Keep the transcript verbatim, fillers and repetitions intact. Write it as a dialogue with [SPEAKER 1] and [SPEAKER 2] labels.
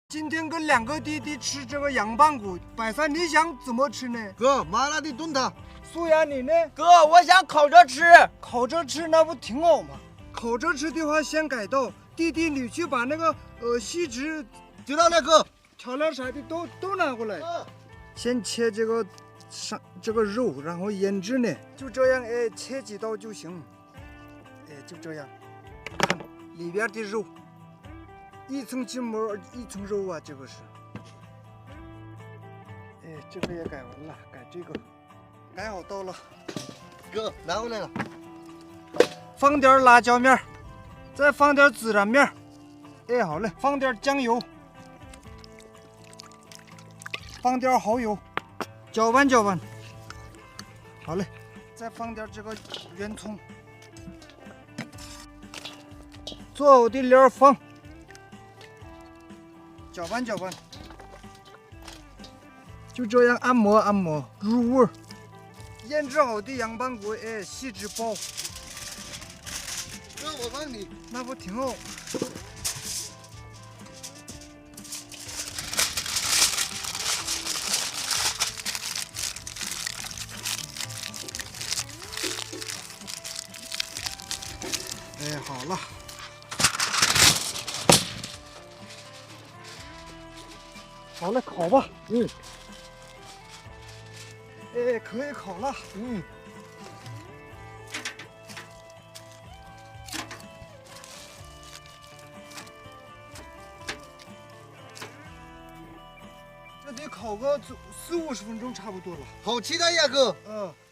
[SPEAKER 1] 今天跟两个弟弟吃这个羊棒骨，百三你想怎么吃呢？
[SPEAKER 2] 哥，麻辣的炖它。
[SPEAKER 1] 苏阳你呢？
[SPEAKER 3] 哥，我想烤着吃。
[SPEAKER 1] 烤着吃那不挺好吗？烤着吃的话，先改道。弟弟，你去把那个呃锡纸、
[SPEAKER 2] 知道了，哥。
[SPEAKER 1] 调料啥的都都拿过来。先切这个上这个肉，然后腌制呢，就这样哎，切几刀就行。哎，就这样，看里边的肉，一层筋膜一层肉啊，这个是。哎，这个也改完了，改这个，改好刀了。
[SPEAKER 2] 哥，拿回来了。
[SPEAKER 1] 放点辣椒面，再放点孜然面。哎，好嘞，放点酱油。放点蚝油，搅拌搅拌。好嘞，再放点这个圆葱，做好的料放，搅拌搅拌，就这样按摩按摩，入味儿。腌制好的羊棒骨，哎，锡纸包。
[SPEAKER 2] 哥，我帮你。
[SPEAKER 1] 那不挺好？哎，好了，好了，烤吧。
[SPEAKER 2] 嗯。
[SPEAKER 1] 哎，可以烤了。
[SPEAKER 2] 嗯。
[SPEAKER 1] 这得烤个四五十分钟差不多了。
[SPEAKER 2] 好期待呀，哥。
[SPEAKER 1] 嗯。